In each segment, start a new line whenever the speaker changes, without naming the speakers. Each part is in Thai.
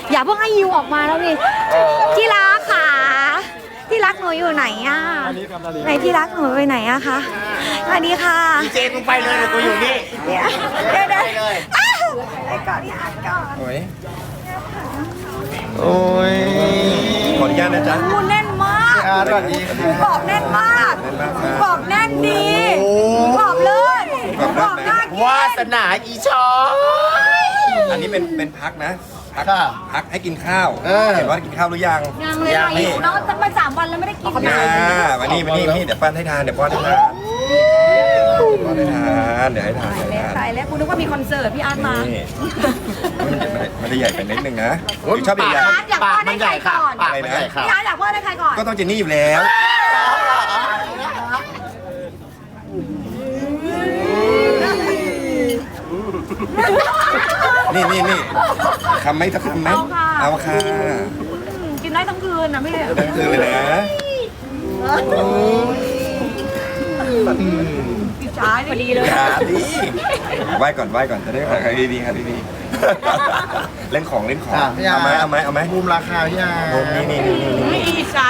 อย่าเพิ่งให้ยิวออกมาแล้วนี่ที่รักค่ะที่รักหนูอยู่ไหนอ่ะไหนที่รักหนูไปไหนอะคะสวัสดีค่ะ
เจนมึงไปเลยเดี๋ยวกูอยู่นี่
เดี๋ยวไปก่อนที่อาร์ตก่อน
โอ้ยโอ้ยขออนุญาตนะจ๊ะ
หมูแน่นมาก
สวัสดีค่ะ
หมูกรอบแน่นมากหมูกรอบแน่นดีหมูกรอบเลยหมูกรอบน่ากิน
วาสนาอีชอ
อันนี้เป็นพักนะพัก
ค่ะ
พักให้กินข้าว เห็นว่ากินข้าวหรือยัง
ยังเลยค่ะหิวเนาะตั้งมา3 วันแล้วไม่ได้กิน
มานี่เดี๋ยวป้อนให้ทานเดี๋ยวป้อนให้ทานป้อนให้ทานเดี๋ยวให้ทานเดี๋ยวให้ทาน
ตายแล้วกูนึกว่ามีคอนเสิร์ตพี่อาร์ตมา
นี่มันจะใหญ่ไปนิดนึงนะชอบใหญ่
พี่อาร์ตอยากป้อนให้ใครก่อน
ปากมันใหญ่ค่ะ
พี่อาร์ตอยากป้อนให้ใครก่อน
ก็ต้องเจนนี่อยู่แล้วนี่คำไหมสักคำไหมเอาค่ะ
กินได้ทั้งคืนนะพี่
ทั้งคืนเลยนะ
พี่ช้าพอดีเลย
อย่าดิไหว้ก่อนจะได้ขายดีค่ะดีๆเล่นของเอาไหม
มุมราคาพี่อา
โอ้นี่
อีสา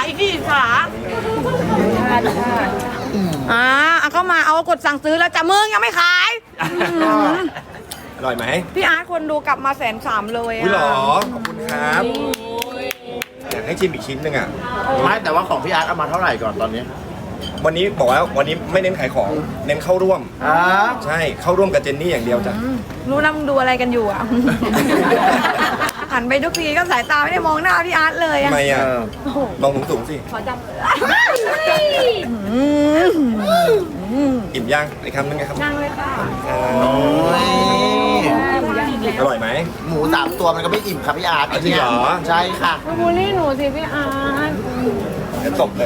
ก็มาเอากดสั่งซื้อแล้วจ้ะมึงยังไม่ขาย
อร่อยไหม
พี่อาร์ตคนดูกลับมา130,000เลย
อุ้ยหรอ
อ่ะ
ขอบคุณครับอยากให้ชิมอีกชิ้นหนึ่งอ่ะ
ไม่แต่ว่าของพี่อาร์ตเอามาเท่าไหร่ก่อนตอนนี้
วันนี้บอกว่าวันนี้ไม่เน้นขายของเน้นเข้าร่วม ใช่เข้าร่วมกับเจนนี่อย่างเดียวจ้ะ
รู้นะมึงดูอะไรกันอยู่อ่ะ หันไปทุกทีก็สายตาไม่ได้มองหน้าพี่อาร์ตเลย
ทำ
อ่ะ
ไมอ่ะมองสูงสิ
ขอจำ
อิ่มย่างอีกคำนึงไงครับ
นั่งเลยค่ะ
อร่อยไหม
หมู3 ตัวมันก็ไม่อิ่มครับพี่อาร์ต
จริงเหรอ
ใช่ค่ะ
บูลลี่หนูสิพี่อาร์ต
เดี๋ยวตบเลย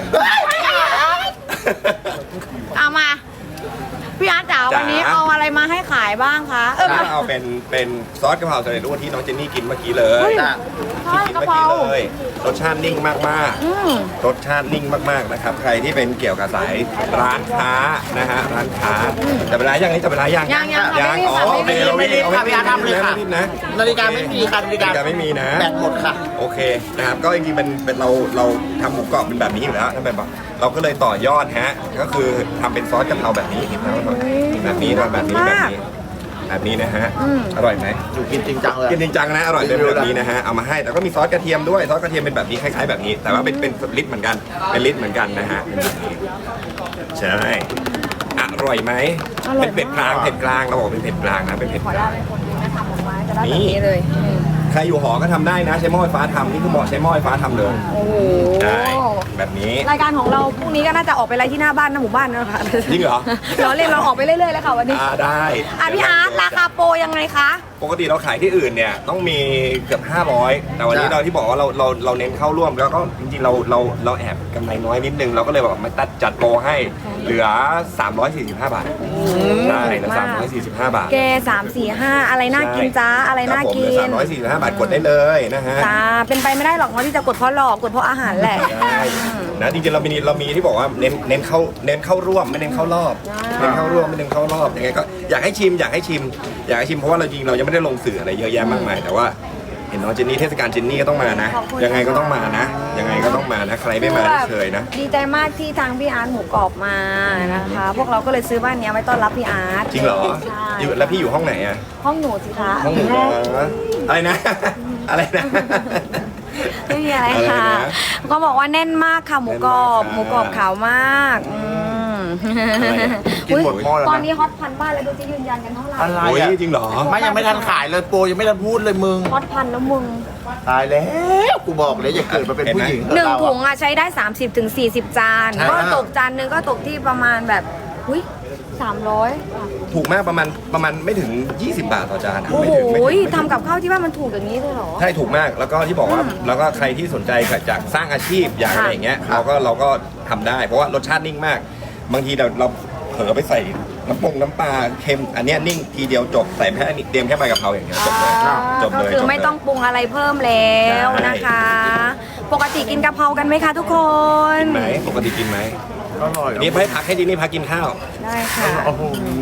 เอามา พี่อาร์ตจ๋า
จ๋า
วันนี้เอาอะไรมาให้ขายบ้างคะ
เอาเป็นซอสกะเพราสำเร็จรูปที่น้องเจนนี่กินเมื่อกี้เลย
จ้ะ
ที่กินเมื่อกี้เลยรสชาตินิ่งมากๆรสชาตินิ่งมากๆนะครับใครที่เป็นเกี่ยวกับสายร้านค้านะฮะร้านค้าแต่เวลายังจะเวลายัง
ยังค่ะ
โอเค
ไม่รีบค่ะพี่อาร์ตทำเลยค่ะ
ไม่รีบนะ
นาฬิกาไม่มีค่ะนาฬิกา
ไม่มีนะ
แบตหมดค่ะ
โอเคนะครับก็จริงๆเป็นเราทำหมูกรอบเป็นแบบนี้อยู่แล้วถ้าเป็นแบบเราก็เลยต่อยอดฮะก็คือทำเป็นซอสกะเพราแบบนี้แบบนี้แบบนี้นะฮะอร่อยไหม
อยู่กินจริงจังเลย
กินจริงจังนะอร่อยเป็นแบบนี้นะฮะเอามาให้แต่ก็มีซอสกระเทียมด้วยซอสกระเทียมเป็นแบบนี้คล้ายๆแบบนี้ แต่ว่าเป็นลิตรเหมือนกันเป็นลิตรเหมือนกันนะฮะเป็นแบบนี้ใช่อร่อยไหมเป็นเผ็ดกลางเราบอกเป็นเผ็ดกลางนะเป็นเผ็ด
ขอก
ลา
ได้
ง
เป็นคนนึงนะทำออกมาจะได้แบบนี้เลย
ใครอยู่หอก็ทำได้นะใช้หม้อไฟฟ้าทำนี่คือเหมาะใช้หม้อไฟฟ้าทำเลย
โอ้โห
ใช่แบบนี้
รายการของเราพรุ่งนี้ก็น่าจะออกไปไล่ที่หน้าบ้านหน้าหมู่บ้านนะคะ
จริงเหรอ
เราเล่นเราออกไปเรื่อยๆแล้วค่ะวันนี้
ได้
พี่อาร์ตราคาโปรยังไงคะ
ปกติเราขายที่อื่นเนี่ยต้องมีเกือบ500แต่วันนี้เราที่บอกว่าเราเน้นเข้าร่วมแล้วก็จริงๆเราแอบกำไรน้อยนิดนึงเราก็เลยแบบมาจัดโปรให้เหลือ345 บาทได้เหลือ345 บาท
แก3 4 5อะไรน่ากินจ้าอะไรน่ากิน
เหลือ345 บาทกดได้เลยนะฮะ
จ้าเป็นไปไม่ได้หรอกว่าที่จะกดเพราะหลอกกดเพราะอาหารแหละ
ได้นะจริงๆเรามีที่บอกว่าเน้นเข้าร่วมไม่เน้นเข้ารอบเน้นเข้าร่วมไม่เน้นเข้ารอบยังไงก็อยากให้ชิมเพราะว่าเราจริงเรายังไม่ได้ลงสื่ออะไรเยอะแยะมากมายแต่ว่าเห็นน้องเจนนี่เทศกาลเจนนี่ก็ต้องมานะยังไงก็ต้องมานะใครไม่มาไม่เคยนะ
ดีใจมากที่ทางพี่อาร์ตหมูกรอบมานะคะ พวกเราก็เลยซื้อบ้านนี้ไว้ต้อนรับพี่อาร์ต
จริงเหรอ
ใช่
แล้วพี่อยู่ห้องไหนอะ
ห้องหนูสิคะ
ห้องหนูเหรออะไรนะ อะไรนะ
ไม่มีอะไร
อะไร
ค่ะ
นะ
ก็บอกว่าแน่นมากค่ะหมูกรอบ
แน่นมากค่ะ
หมูกรอบขาวมาก
กินหมดหม้อแล้วนะ
ตอนนี้ฮอตพันบ้านแล้วดูจะยืนยันกันเท่าไหร่
อะไร
โอ้ย
อ่ะ
จริงเหรอ
ไม่ยังไม่ทันขายเลยโปรยังไม่ทันพูดเลยมึง
ฮอตพันแล้วมึง
ตายแล้วกูบอกเลยอย่าเกิดมาเป็นผู้หญิง
หนึ่ง
เรา
ถุ
อะ
งอ่ะใช้ได้ 30 ถึง 40 จาน
ใช่
ก็ตกจานนึงก็ตกที่ประมาณแบบอุ้ย300
ถูกมากประมาณไม่ถึง 20 บาทต่อจานอะ
โอ้
ไม่
โห
ถึงไม่ถึง
ทำกับข้าวที่บ้านมันถูกอย่างนี้เลยเหรอ
ใช่ถูกมากแล้วก็ที่บอกว่าแล้วก็ใครที่สนใจจากสร้างอาชีพอย่างอะไรอย่างเงี้ยเราก็ทำได้เพราะว่ารสชาตินิ่งมาก บางทีเราเผลอไปใส่น้ำปลาเค็มอันเนี้ยนิ่งทีเดียวจบใส่แค่เตรียมแค่ใบกะเพราอย่างเงี้ยจบเลยจบ
ก็
เลย
คือไม่ต้องปรุงอะไรเพิ่มแล้วนะคะ ปกติกินกะเพรากันไหมคะทุกคน
กินไหมปกติกินไหม
อร่อย
นี่ให้พักให้ดินี่พักกินข้าว
ได้ค่ะ
โอ้โห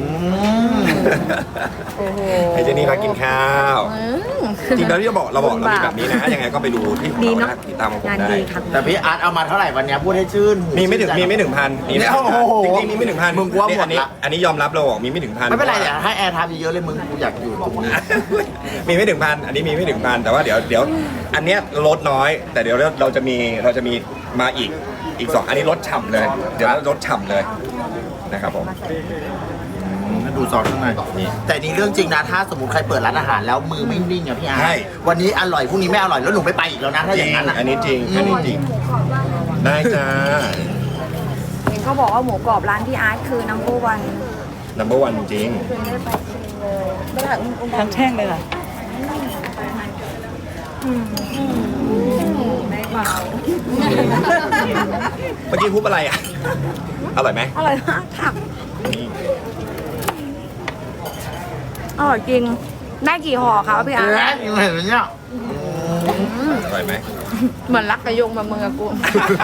โอ้โห
ให้ดินี่พักกินข้าวจริงๆแล้วที่เราบอกเรามีแบบนี้นะยังไงก็ไปดูที่ของ
ดี
เรา
เนาะ
นะติดตามของผม
งาน
ได้
ดีค่ะ
แต่พี่อาร์ตเอามาเท่าไหร่วันเนี้ยพูดให้ชื่นหู
มีไม่ถึงพันมีไม่ถึงพัน
โอ้โห
จริงๆมีไม่ถึงพัน
มึงกลัวหมดละ
อันนี้ยอมรับเราบอกมีไม่ถึงพัน
ไม่เป็นไรเดี๋ยวให้แอร์ทำเยอะๆเลยมึงกูอยากอยู่ตรงนี้
มีไม่ถึงพันอันนี้มีไม่ถึงพันแต่ว่าเดี๋ยวอันเนี้ยลดน้อย แต่เดี๋ยวเราจะมีมาอีกสองอันนี้ลดฉ่ำเลย เดี๋ยวลดฉ่ำเลยนะครับผม
ดูซอสข้างในนี่แต่นี่เรื่องจริงนะถ้าสมมติใครเปิดร้านอาหารแล้วมือไม่นิ่งอะพี่อาร์ตวันนี้อร่อยพรุ่งนี้ไม่อร่อยแล้วหนูไม่ไปอีกแล้วนะถ้า
จ
อ
ริง
ย่างนั้นอะ
อันนี้จริงอันนี้จริงได้จ้า
เห็นเขาบอกว่าหมูกรอบร้านพี่อาร์ตคือน้ำปูวัน
number one จริง
ทั้งแท่งเลยค่ะ
เมื่อกี้พูดอะไรอ่ะอร่อยไหม
อร่อยมากค่ะ
นี่
อร่อยจริง ได้กี่ห่อคะพี่อาร์ต
เห็นไหมเนี่ย
อร่อยไหม
เหมือนรักกระยงมาเมืองกับกู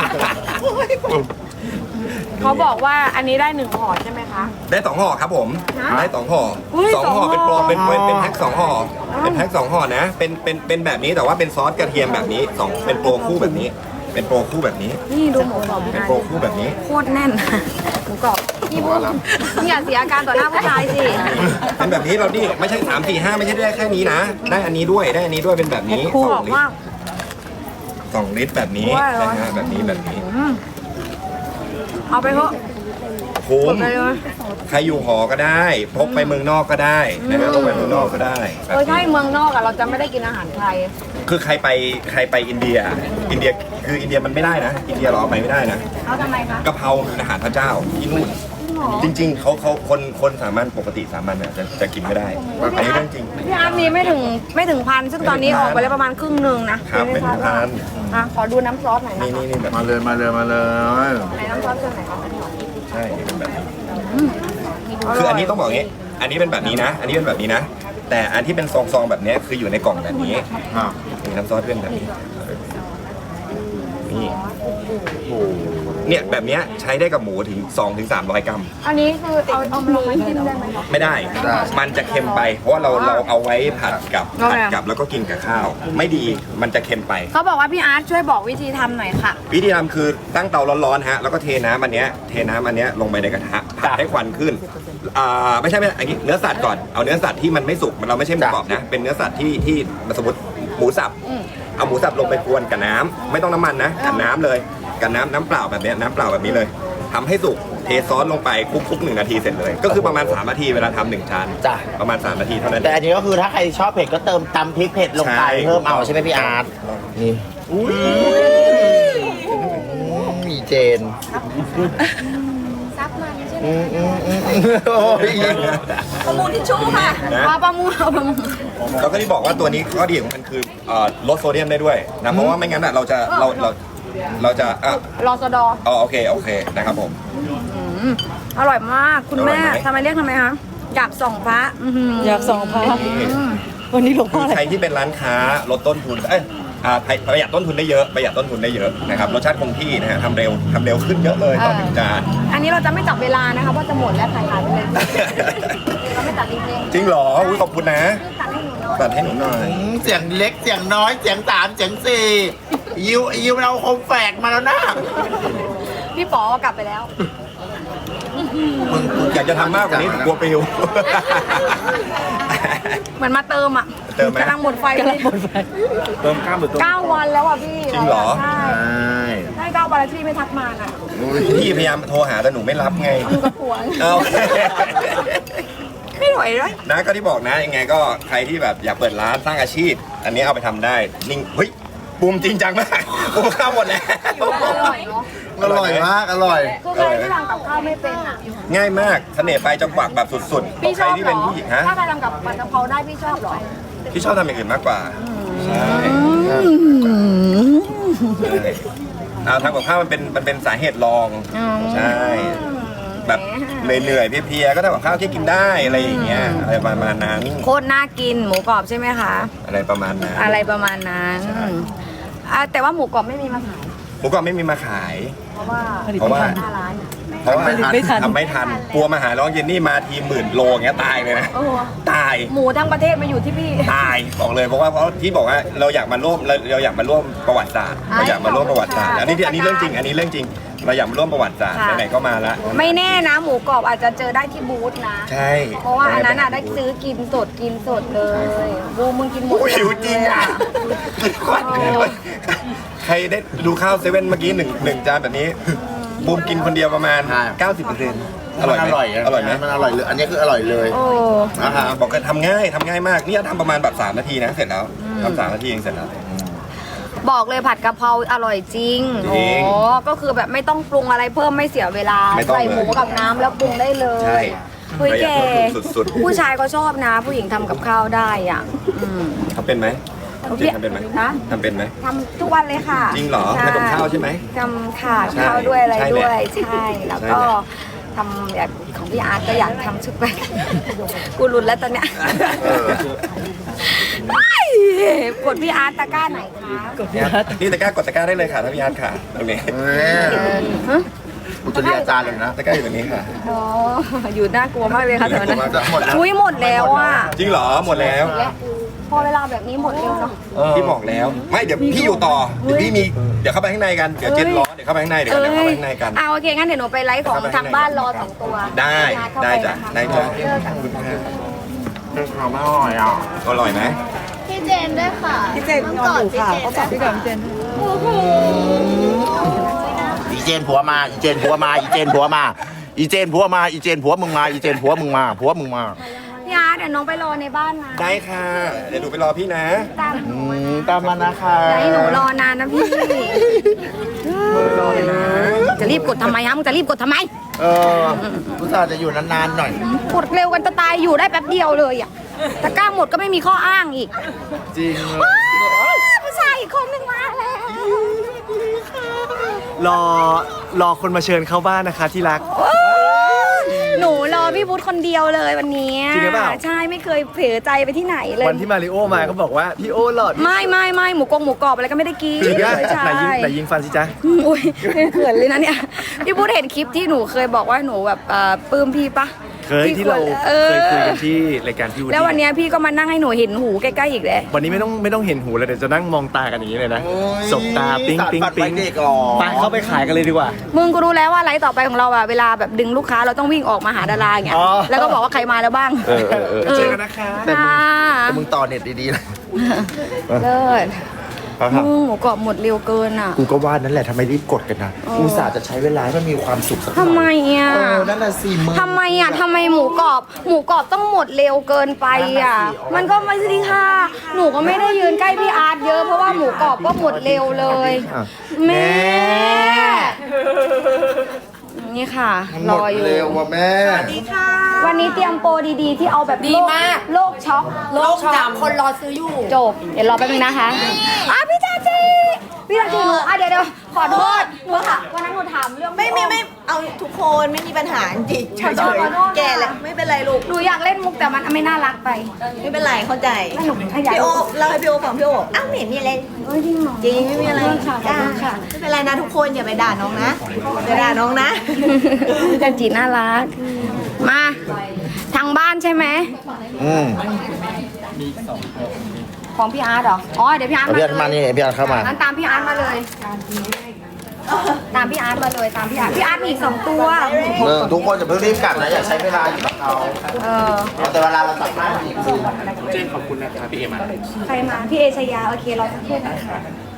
เขาบอกว่าอันนี้ได้1ห่อใช่ไหมคะ
ได้สองห่อครับผมได้สองห่อ
อุ้ย
สองห่อ
สองห่อ
เป็นโปรเป็นแพ็คสองห่อเป็นแพ็คสองห่อนะเป็นแบบนี้แต่ว่าเป็นซอสกระเทียมแบบนี้สองเป็นโปรคู่แบบนี้ เป็นโปรคู่แบบนี้
นี่ดูหมูกรอบ
เป็นโปรคู่แบบนี้
โคตรแน่นหมูกรอบพี่พูดอย่าเสียอาการต่อหน้าผู้ชายสิ
เป็นแบบนี้เรานี่ไม่ใช่3 4 5ไม่ใช่ได้แค่นี้นะ ได้อันนี้ด้วยได้อันนี้ด้วยเป็นแบบนี้
คู่
ส
บ
อ
อง ก
ลิต
ว่าร
2 ลิตรแบบนี้
ว่า
นะฮะแบบนี้แบบนี้
เอาไปเถอะ
คุ้
ก
ม
ดไปเลย
ใครอยู่หอก็ได้พกไปเมืองนอกก็ได้นะฮะพกไปเมืองนอกก็ได้แบบนี้
ใช่เมืองนอกอะเราจะไม่ได้กินอาหารไทย
คือใครไปอินเดียคืออินเดียมันไม่ได้นะ อินเดียเราเอาไปไม่ได้นะ
เอาทำไมคะ
กะเพราคืออาหารพระเจ้าที่นู่นจริง ๆเขาคนสามัญปกติสามัญเนี่ยจะกินไม่ได้อันนี้เรื่องจริง
พี่อาร์ตมีไม่ถึงพันซึ่งตอนนี้ออกไปแล้วประมาณครึ่งหนึ่งนะครับ
ไม่ถึงพัน
อ่ะขอดูน้ำซอสหน่อยนะ
นี่
คะ
นี่แบบ
มาเลยมาเลยมาเลย
ไหนน้ำซอสตัวไหนคะ
ใช่นี่เป็นแบบนี้คืออันนี้ต้องบอกอย่างนี้ อันนี้เป็นแบบนี้นะ อันนี้เป็นแบบนี้นะ แต่อันที่เป็นซองๆแบบนี้คืออยู่ในกล่องแบบนี้
อ่ะ
มีน้ำซอสเป็นแบบนี้นี่เนี่ยแบบเนี้ยใช้ได้กับหมูถึง200-300 กรัม
อันนี้คือเอาลงมาจิ้มได้ไหมคะ
ไม่ได้ มันจะเค็มไป เพราะว่าเราเอาไว้ผัดกับแล้วก็กินกับข้าว ไม่ดี มันจะเค็มไป
เขาบอกว่าพี่อาร์ตช่วยบอกวิธีทำหน่อยค่ะ
วิธีทำคือตั้งเตาร้อนๆฮะ แล้วก็เทน้ำอันเนี้ยลงไปในกระทะผัดให้ควันขึ้น ไม่ใช่อันนี้เนื้อสัตว์ก่อน เอาเนื้อสัตว์ที่มันไม่สุก เราไม่ใช่หมูกรอบนะ เป็นเนื้อสัตว์ที่สมมติหมูสับ เอาหมูสับลงไปกวนกับน้ำไม่ต้องน้ำมันนะกับน้ำเลยกับน้ำเปล่าแบบเนี้ยน้ำเปล่าแบบนี้เลยทำให้สุกเทซอสลงไปคลุกๆ1 นาทีเสร็จเลย ก็คือประมาณ3 นาทีเวลาทำ1 ชาม
จ้ะ
ประมาณ3 นาทีเท่านั้น
แต่อันนี้ก็คือถ้าใครชอบเผ็ดก็เติมตำพริกเผ็ดลงไป
ใช่
เพิ่มเอาใช่ไหมพี่อาร์ตนี่มีเจน
ซับมันใช่ไหม
โอ้ย
ประมูลทิชชู่ค่ะ
นะ
ประมูล
แล้วก็ที่บอกว่าตัวนี้ข้อดีของมันคือลดโซเดียมได้ด้วยนะเพราะว่าไม่งั้นเราจะ
รอสดอ
โอเคนะครับผม
อร่อยมากคุณแม่
อร่อยไหม
ทำไมเรียกทำไมคะอยากส่องพระ
อยากส่องพระวันนี้หลวงพ่ออะไร
ใครที่เป็นร้านค้าลดต้นทุนประหยัดต้นทุนได้เยอะนะครับรสชาติคงที่นะฮะทำเร็วขึ้นเยอะเลยต่อ1 จาน
อันนี้เราจะไม่จับเวลานะคะเพราะจะหมดแล้วขายไปเลยเราไม่ตัดจริง
จริงเหรออุ๊ยขอบคุณนะ
ๆตัดให้หนูหน่อย
ตัดให้หนูหน่อย
เสียงเล็กเสียงน้อยเสียงสามเสียงสี่ยิวมันเอาคมแฝกมาแล้วนะ
พี่ป๋อกลับไปแล้ว
มึง
อยากจะทำมากกว่านี้กลัวปิว
เหมือนมาเติมอ่ะ
เติมไหม
กำลังหมดไฟเลย
เติมข้ามหรือเติม
9 วันแล้วอ่ะพี่
จริงเหรอ
ใช่
ใช่
ให้9 วันแล้วที่ไม่ทักมาน่ะ
พี่พยายามโทรหาแต่หนูไม่รับไง
อยู่กับผัว
เอา
ไม่ไหวเลย
นะก็ที่บอกนะยังไงก็ใครที่แบบอยากเปิดร้านสร้างอาชีพ อันนี้เอาไปทำได้นิ่งเฮ้ยบูมจริงจังมากบูมข้าวหมดแล้ว
อร่อยเนาะ
อร่อยมากอร่อย
คือใครที่ทำกับข้าวไม่เป็นอ่ะ
ง่ายมากเสน่ห์ไปลายจังหวะแบบสุดๆขอ
พี่
ง
ช
ใคร
อบ
ที่
เหร
เป็น
อ
ผู้หญิงฮะ
ถ้าใครทำกับผัดกะเพราได้พี่ชอบเหรอ
ที่ชอบทำอย่างอื่นมากกว่าใช่ทำกับข้าวมันเป็นสาเหตุรองใช่แบบเหนื่อยๆเพลียๆก็ทำกับข้าวที่กินได้อะไรอย่างเงี้ยอะไรประมาณนั้น
โคตรน่ากินหมูกรอบใช่ไหมคะ
อะไรประมาณนั้น
อะไรประมาณนั้นแต่ว่าหมูกรอบไม่มีมาขาย
หมูกรอบไม่มีมาขาย เพราะว่า
หน้าร้าน
ไม่ทัน
ทำไม่ทันกลัวมาหาน้องเยนนี่มาที10,000 โลอย่างเงี้ยตายเลยนะ
โอ้
ตาย
หมูทั้งประเทศมาอยู่ที่พี่
ตายบอกเลยเพราะที่บอกว่าเราอยากมาร่วมเราอยากมาร่วมประวัติศาสตร์เราอยากมาร่วมประวัติศาสตร์อันนี้เรื่องจริงเราอยากมาร่วมประวัติศาสตร์
ค่ะ
ไหนๆก็มาละ
ไม่แน่นะหมูกรอบอาจจะเจอได้ที่บูธนะ
ใช่
เพราะว่าอันนั้นได้ซื้อกินสดเลยบูมึงกินหมด
โอ้ยหิวจริงอ่ะใครได้ดูข้าวเซเว่นเมื่อกี้หนึ่งจานแบบนี้บูมกินคนเดียวประมาณ 90%อร่อยไหม
อร่อยไหมมันอร่อยเลยอันนี้คืออร่อยเลย
โอ้
นะครับ
บอกกันทำง่ายมากนี่ทำประมาณแบบ3 นาทีนะเสร็จแล้วทำ3 นาทีเองเสร็จแล้ว
บอกเลยผัดกะเพราอร่อยจริง
จริง
โอ้ก็คือแบบไม่ต้องปรุงอะไรเพิ่มไม่เสียเวลา
ไม่ต้อง
ใส่หมูกับน้ำแล้วปรุงได้เล
ใช่
ยเฮ้ยแก
สุดๆ
ผู้ชายก็ชอบนะ ผู้หญิงทำกับข้าวได้อ่ะอืม
ทำเป็นไหมจริงทำเป็นไหม
นะ
ทำเป็นไหม
ทำทุกวันเลยค่ะ
จริงเหรอ
ใช่
ทำกับข้าวใช่ไหม
ทำค่ะ
ใช่
ข้าวด้วยอะไร
ใช่แหละ
ด้วยใช่แล้วก็
ใช่แหละ
ทำแบบของพี่อาร์ตก็อยากทำชุดแบบกูรุนแล้วตอนเนี้ย
เออ
กดพี่อาร์ตตะกร้าไหนคะ
นี่ตะกร้ากดตะกร้าได้เลยค่ะถ้าพี่อาร์ตค่ะตรงนี้
ฮะ
อุตริอาจารย์เลยนะ
ตะกร้าอยู่ตรงนี้ค่ะ
อ๋ออยู่น่ากลัวมากเลยค่ะตอนนั้น
หมดแล้ว
อุ้ยหมดแล้วอ่ะ
จริงเหรอหมดแล้ว
และพอเวลาแบบนี้หมดเร็วเนาะ
พี่บอกแล้วไม่เดี๋ยวพี่อยู่ต่อเดี๋ยวพี่มีเดี๋ยวเข้าไปข้างในกันเดี๋ยวเจนร้อนเดี๋ยวเข้าไปข้างในเดี๋ยวเข้าไปข้างในกัน
โอเคงั้นเดี๋ยวหนูไปไลฟ์ของทางบ้านรอ2 ตัว
ได้ได้จ้ะได้จ้ะ
เจอกัน
เป็นความอร่อยอ่ะ
อร่อยไหม
พี่เจนด้วยค่ะ
พี่เจนนอนอยู่ค่ะเขาฝากพี่กับพี่เจน
อีเจนผัวมาอีเจนผัวมาอีเจนผัวมาอีเจนผัวมาอีเจนผัวมึงมาอีเจนผัวมึงมาผัวมึงมา
พี่อาร์ตเดี๋ยวน้องไปรอในบ้านนะ
ได้ค่ะเดี๋ยวหนูไปรอพี่นะ
ตาม
ตามมานะคะ
อย่าให้หนูรอนานนะพี่จะรีบกดทำไมฮะมึงจะรีบกดทำไม
เอออุตส่าห์จะอยู่นานๆหน่อย
กดเร็วกันจะตายอยู่ได้แป๊บเดียวเลยอ่ะตะกร้าหมดก็ไม่มีข้ออ้างอีก
จริง
ว้าวผู้ชายอีกคนหนึ่งมาแล้ว
รอคนมาเชิญเข้าบ้านนะคะที่รัก
หนูรอพี่พุทธคนเดียวเลยวันนี้
จริงหรือเปล่า
ใช่ไม่เคยเผลอใจไปที่ไหนเลย
วันที่มาริโอมาเขาบอกว่าพี่โอหลอด
ไม่หมูกรอบอะไรก็ไม่ได้กิน
จริงอะ
ใช่
ไหนยิงฟันสิจ๊ะ
อุ้ยเขินเลยนะเนี่ยพี่พุทธเห็นคลิปที่หนูเคยบอกว่าหนูแบบปลื้มพี่ปะ
เคยที่เรา
เออ
เคยคุยกันที่รายการพี่วูดดี้
แล้ววันเนี้ยพี่ก็มานั่งให้หนูเห็นหูใกล้ๆอีกเลย
วันนี้ไม่ต้องเห็นหูเลยเดี๋ยวจะนั่งมองตากันอย่างนี้เลยนะ
โอ้ย
สบตาปิ๊งปิ๊ง
สารพัด
ปิ๊ง
ไว้เด็กหรอ
ไปเข้าไปขายกันเลยดีกว่า
มึงก็รู้แล้วว่าไลฟ์ต่อไปของเราอะเวลาแบบดึงลูกค้าเราต้องวิ่งออกมาหาดาราอย่างเงี้ย
อ๋อ
แล้วก็บอกว่าใครมาแล้วบ้าง
เจอกันนะคะ
แต่มึง
ค่ะ
แต่มึงต่อเน็ตดีๆนะ
เลิศมึงหมูกรอบหมดเร็วเกินอ่ะ
กูก็ว่านั่นแหละทำไมรีบกดกันนะอุตส่าห์จะใช้เวลาให้มันมีความสุขสักหน่อย
ทำไมอ่ะ
นั่นน่ะสิมึง
ทำไมอ่ะทำไมหมูกรอบต้องหมดเร็วเกินไปอ่ะ มันก็ไม่สิค่ะ หนูก็ไม่ได้ยืนใกล้พี่อาร์ตเยอะเพราะว่าหมูกรอบก็หมดเร็วเลย แม่ นี่ค่ะ รออยู่
เร็วว่ะแม่
วันนี้เตรียมโปรดีๆ ที่เอาแบบดีมากโลกช็อกโลกจำคนรอซื้ออยู่จบเดี๋ยวรอแป๊บนึงนะคะพี่จาจีหนูเดี๋ยวขอโทษหนูค่ะวันนั้นหนูถามเรื่อง
ไม่เอาทุกคนไม่มีปัญหาจริงๆเฉยๆแก่แล้วไม่เป็นไรลูก
หนูอยากเล่นมุกแต่มันไม่น่ารักไป
ไม่เป็นไรเข้าใจ
แล้วหนูขยาย
พี่โอเราให้พี่โอฟังพี่โออ้าวไม่เห็นมีอะไร
เอ้ยจริงเหรอ
จริงไม่มีอะไร
ขอบคุณค่ะขอบคุณค่ะ
ไม่เป็นไรนะทุกคนอย่าไปด่าน้องนะอย่าด่าน้องนะ
พี่จันจีน่ารักมาทางบ้านใช่ไหม
อืม
ของพี่อาร์ตเหรออ๋อเดี๋ยวพี่อาร์ต
เอาพี่อาร์ตมานี่พี่อาร์ตเข้ามา
งั้นตามพี่อาร์ตมาเลย ตามพี่อาร์ตมาเลยตามพี่อาร์ตมีอีก2 ตัว
ทุกคนอย่าเพิ่งรีบกลับนะอย่าใช้เวลาอยู่กับเรา
เออ
แต่เวลาเราสัมภาษณ์อีกคือ
ใครมาพี่เอชยาโอเครอสักครู่นะคะ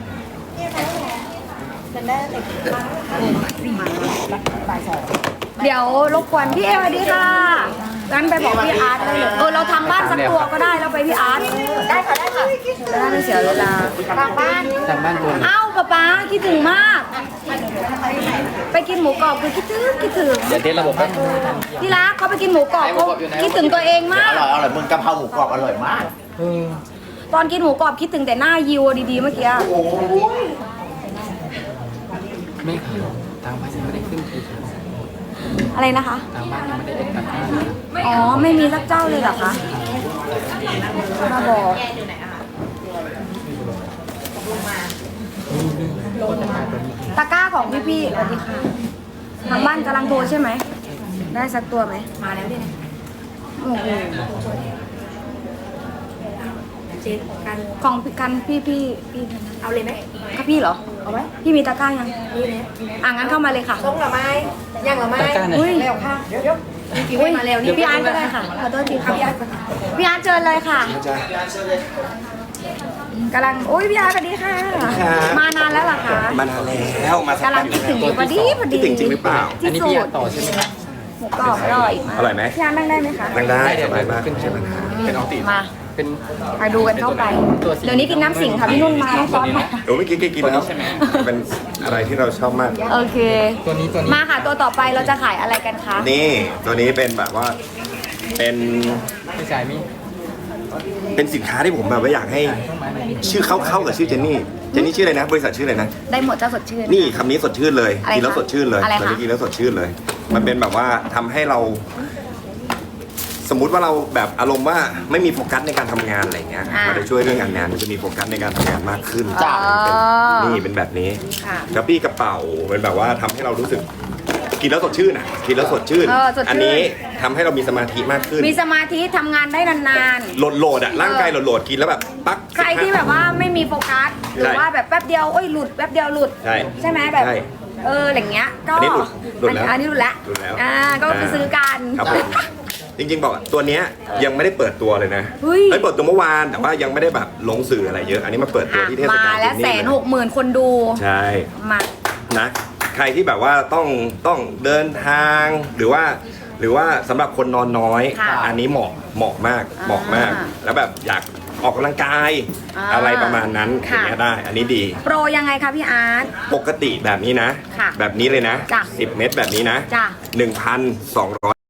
เดี๋ยวรบกวนพี่เอสวัสดีค่ะงั้นไปบอกพี่อาร์ตเลยเราทำบ้านสักตัวก็ได้แล้วไปพี่อาร์ตได้ค่ะจะได้ไม่เสียเวลาทางบ้านเอ้าป๊าคิดถึงมาก ไปกินหมูกรอบคือคิดถึงเดี๋ยวเทสระบบพี่รักเขาไปกินหมูกรอบเขาคิดถึงตัวเองมา
อก ร่อยมึงกะเพราหมูกรอบอร่อยมาก
ตอนกินหมูกรอบคิดถึงแต่หน้ายิวดีๆเมื่อกี้
ไม่ค่ะทางบ้านยังไม่ได้ขึ้นคือ
อะไรนะคะ
ทางบ้านยังไม่ได้ขึ้นตัดข้าวเลย
อ๋อไม่มีสักเจ้าเลยเหรอคะมาบอกตพี่สวัสดีค่ะทางบ้านกำลังโทรใช่ไหมได้สักตัวไหมมาแล้วพี่โอ้โหของกันพี่เอาเลยไหมค่ะพี่เหรอเอาไหมพี่มีตะกร้ายังนี่เลยงั้นเข้ามาเลยค่ะ
ต้องหรอไม้ยังหรอไม้
ตะกร้าไหน
อุ้ย
เร็วค่ะเดี๋ยว
อุ้ยมาแล้วนี่พี่อาร์ตก็ได้ค่ะขอโทษทีค่ะพี่อาร์ตเชิญเลยค่ะกำลังอุ้ยพี่อาร์ตสวัสดีค่ะมานานแล้วเหรอคะ
มานานแล้วมาสัก
กำลังคิดถึงอยู่พอดี
คิดถึงจริงหรือเปล่า
อันนี้พี่อยากต่อใช่ไหมครับ
หมูกรอบอร่อยมาก
อร่อยไหม
พี่อาร์ตนั่งได้ไหมคะ
นั่งได้
เดี๋
ส
ยว
บายมาก
ขึ้น
ใช่ไหม
เป็นออติ
มา
เป็น
มาดูกันเข้าไป เดี๋ยวนี้กินน้ำสิงค่ะพี่นุ่นมาน้องซ้อนมา
โอ้เมื่อกี้กินแล้วเป็นอะไรที่เราชอบมาก
โอเค
ตัวนี้
มาค่ะตัวต่อไปเราจะขายอะไรกันคะ
นี่ตัวนี้เป็นแบบว่าเป็น
พี่ชายมี
เป็นสินค้าที่ผมแบบว่าอยากให้ชื่อเข้ากับชื่อเจนนี่ชื่ออะไรนะบริษัทชื่ออะไรนะ
ได้หมดเจ้าสดชื่น
นี่คำนี้สดชื่นเลย
อะไรคะ
กินแล้วสดชื่นเลย
อะไรคะ
ตอนนี้กินแล้วสดชื่นเลย มันเป็นแบบว่าทำให้เรา สมมุติว่าเราแบบอารมณ์ว่าไม่มีโฟกัสในการทำงานอะไรเงี้ยมันจะช่วยเรื่องงานมันจะมีโฟกัสในการทำงานมากขึ้นนี่เป็นแบบนี้
ค่ะ
กระปี้กระเป๋าเป็นแบบว่าทำให้เรารู้สึก กินแล้วสดชื่นอ่ะกินแล้วสดชื่น
สดชื่น
อันนี้ทำให้เรามีสมาธิมากขึ้น
มีสมาธิทำงานได้นาน
โหลดอ่ะร่างกายโหลดกินแล้วแบบปั๊ก
ๆ ใครที่แบบว่าไม่มีโฟกัส หรือว่าแบบแป๊บเดียวหลุดแป๊บเดียวหลุด
ใช่
ไหมแบบ
ใช่
อย่างเงี้ยก็
อันนี้หลุดแล้ว
อันนี้หลุดแล้ว
หลุดแล้ว
ก็ไปซื้อกัน
ครับผมจริงๆบอกตัวเนี้ยยังไม่ได้เปิดตัวเลยนะ
เฮ้ย
เปิดตัวเมื่อวานแต่ว่ายังไม่ได้แบบลงสื่ออะไรเยอะ อันนี้มาเปิดตัวที่เทศกาล
มาแล้ว
ที่นี่เลย
160,000 คนดู
ใช่
มา
นะใครที่แบบว่าต้องเดินทางหรือว่าสำหรับคนนอนน้อย
ค่ะ
อันนี้เหมาะมากแล้วแบบอยากออกกำลังกาย อะไรประมาณนั้นอ
ค่ะ
ย่างเงี้ยได้ อันนี้ดี
โปรยังไงคะพี่อาร์ต
ปกติแบบนี้นะ
ค่ะ
แบบนี้เลยนะ
จ้ะ
10 เม็ดแบบนี้นะ
จ้ะ
1,200